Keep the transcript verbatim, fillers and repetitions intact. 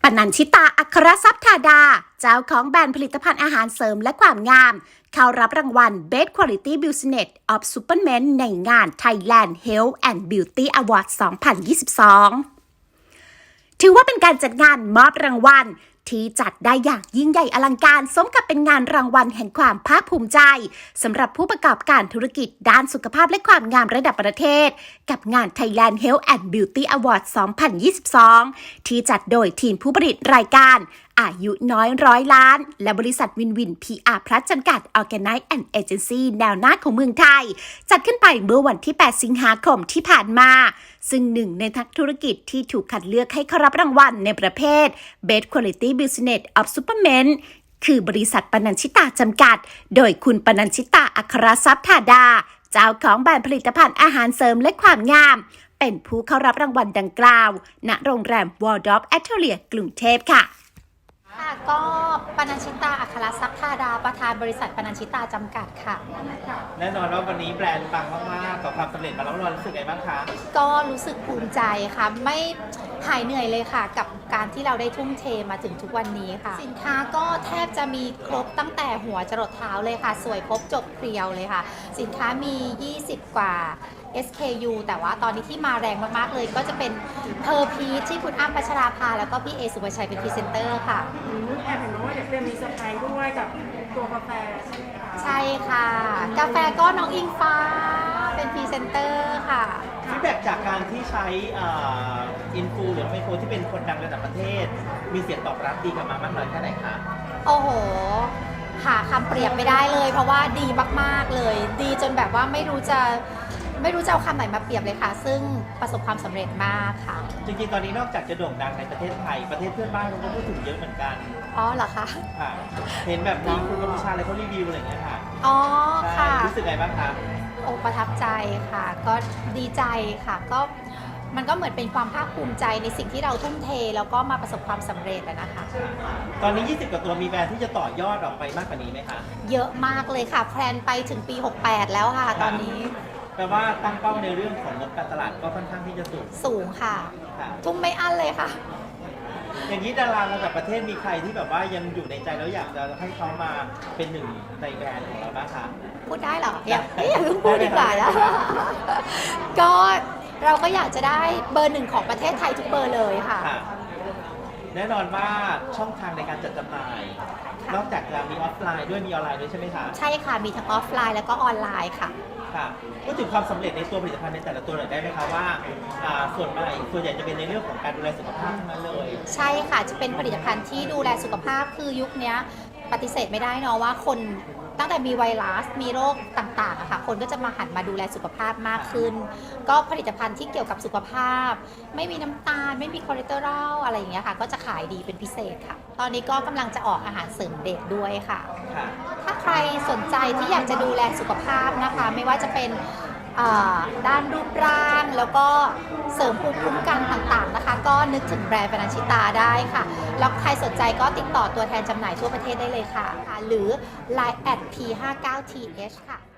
ปนัญชิตา อัครทรัพย์ธาดา เจ้าของแบรนด์ผลิตภัณฑ์อาหารเสริมและความงาม เข้ารับรางวัล Best Quality Business of Supermen ในงาน Thailand Health and Beauty Award สองพันยี่สิบสอง ถือว่าเป็นการจัดงานมอบรางวัลที่จัดได้อย่างยิ่งใหญ่อลังการสมกับเป็นงานรางวัลแห่งความภาคภูมิใจสำหรับผู้ประกอบการธุรกิจด้านสุขภาพและความงามระดับประเทศกับงาน Thailand Health and Beauty Award สองพันยี่สิบสอง ที่จัดโดยทีมผู้ผลิตรายการอายุน้อยร้อยล้านและบริษัทวินวิน พี อาร์ Plus จำกัด Organize and Agency แนวหน้าของเมืองไทยจัดขึ้นไปเมื่อวันที่ แปด สิงหาคมที่ผ่านมาซึ่งหนึ่งในนักธุรกิจที่ถูกคัดเลือกให้เข้ารับรางวัลในประเภท Best Quality Business of Supermen คือบริษัทปนัญชิตาจำกัดโดยคุณปนัญชิตา อัครทรัพย์ธาดา เจ้าของแบรนด์ผลิตภัณฑ์อาหารเสริมและความงามเป็นผู้เข้ารับรางวัลดังกล่าวณโรงแรม Waldorf Astoria กรุงเทพค่ะค่ะก็ปนัญชิตา อัครทรัพย์ธาดา ประธานบริษัทปนัญชิตาจำกัดค่ะแน่นอนว่าวันนี้แบรนด์ปังมากๆกับความสำเร็จมาแล้วเรารู้สึกไงบ้างคะก็รู้สึกภูมิใจค่ะไม่หายเหนื่อยเลยค่ะกับการที่เราได้ทุ่มเทมาถึงทุกวันนี้ค่ะสินค้าก็แทบจะมีครบตั้งแต่หัวจรดเท้าเลยค่ะสวยครบจบเคลียวเลยค่ะสินค้ามียี่สิบกว่า เอส เค ยู แต่ว่าตอนนี้ที่มาแรงมากๆเลยก็จะเป็นเพอร์พีชที่คุณอ้ำพัชราภาแล้วก็พี่เอสุภชัยเป็นพรีเซนเตอร์ค่ะแอบเห็นว่าเดี๋ยวเตรียมมีเซอร์ไพรส์ด้วยกับตัวกาแฟใช่ไหมคะใช่ค่ะกาแฟก็น้องอิงฟ้าเป็นพรีเซนเตอร์ค่ะฟีดแบ็กจากการที่ใช้อินฟูหรือไมโครที่เป็นคนดังระดับประเทศมีเสียงตอบรับดีกันมามากน้อยแค่ไหนคะโอ้โหหาคำเปรียบไม่ได้เลยเพราะว่าดีมากๆเลยดีจนแบบว่าไม่รู้จะไม่รู้จะเอาคำไหนมาเปรียบเลยค่ะซึ่งประสบความสำเร็จมากค่ะจริงๆตอนนี้นอกจากจะโด่งดังในประเทศไทยประเทศเพื่อนบ้านเขาก็พูดถึงเยอะเหมือนกันอ๋อเหรอคะค่ะเห็นแบบนี้คุณกัมพูชาอะไรเขารีวิวอะไรอย่างเงี้ยค่ะอ๋อค่ะรู้สึกไงบ้างคะโอ้ประทับใจค่ะก็ดีใจค่ะก็มันก็เหมือนเป็นความภาคภูมิใจในสิ่งที่เราทุ่มเทแล้วก็มาประสบความสำเร็จนะคะตอนนี้ยี่สิบกว่าตัวมีแบรนด์ที่จะต่อยอดออกไปมากกว่านี้ไหมคะเยอะมากเลยค่ะแพลนไปถึงปีหกสิบแปดแล้วค่ะตอนนี้แปลว่าตั้งเป้าในเรื่องของงบการตลาดก็ค่อนข้างที่จะสูงสูงค่ะทุ่มไม่อั้นเลยค่ะอย่างนี้ดาราระดับประเทศมีใครที่แบบว่ายังอยู่ในใจแล้วอยากจะให้เขามาเป็นหนึ่งในแบรนด์ของเราบ้างคะพูดได้เหรออย่าอย่าเพิ่งพูดดีกว่านะก็เราก็อยากจะได้เบอร์หนึ่งของประเทศไทยทุกเบอร์เลยค่ะแน่นอนว่าช่องทางในการจัดจำหน่ายนอกจากจะมีออฟไลน์ด้วยมีออนไลน์ด้วยใช่ไหมคะใช่ค่ะมีทั้งออฟไลน์แล้วก็ออนไลน์ค่ะค่ะพูดถึงความสำเร็จในตัวผลิตภัณฑ์ในแต่ละตัวหน่อยได้ไหมคะว่าส่วนใหญ่ส่วนใหญ่จะเป็นในเรื่องของการดูแลสุขภาพทั้งนั้นเลยใช่ค่ะจะเป็นผลิตภัณฑ์ที่ดูแลสุขภาพคือยุคนี้ปฏิเสธไม่ได้เนาะว่าคนตั้งแต่มีไวรัสมีโรคต่างๆอะค่ะคนก็จะมาหันมาดูแลสุขภาพมากขึ้นก็ผลิตภัณฑ์ที่เกี่ยวกับสุขภาพไม่มีน้ำตาลไม่มีคอเลสเตอรอลอะไรอย่างเงี้ยค่ะก็จะขายดีเป็นพิเศษค่ะตอนนี้ก็กำลังจะออกอาหารเสริมเด็กด้วยค่ะถ้าใครสนใจที่อยากจะดูแลสุขภาพนะคะไม่ว่าจะเป็นด้านรูปร่างแล้วก็เสริมภูมิคุ้มกันต่างๆนะคะก็นึกถึงแบรนด์ปนัญชิตาได้ค่ะแล้วใครสนใจก็ติดต่อตัวแทนจำหน่ายทั่วประเทศได้เลยค่ะหรือ ไลน์ แอท พี ห้าสิบเก้า ที เอช ค่ะ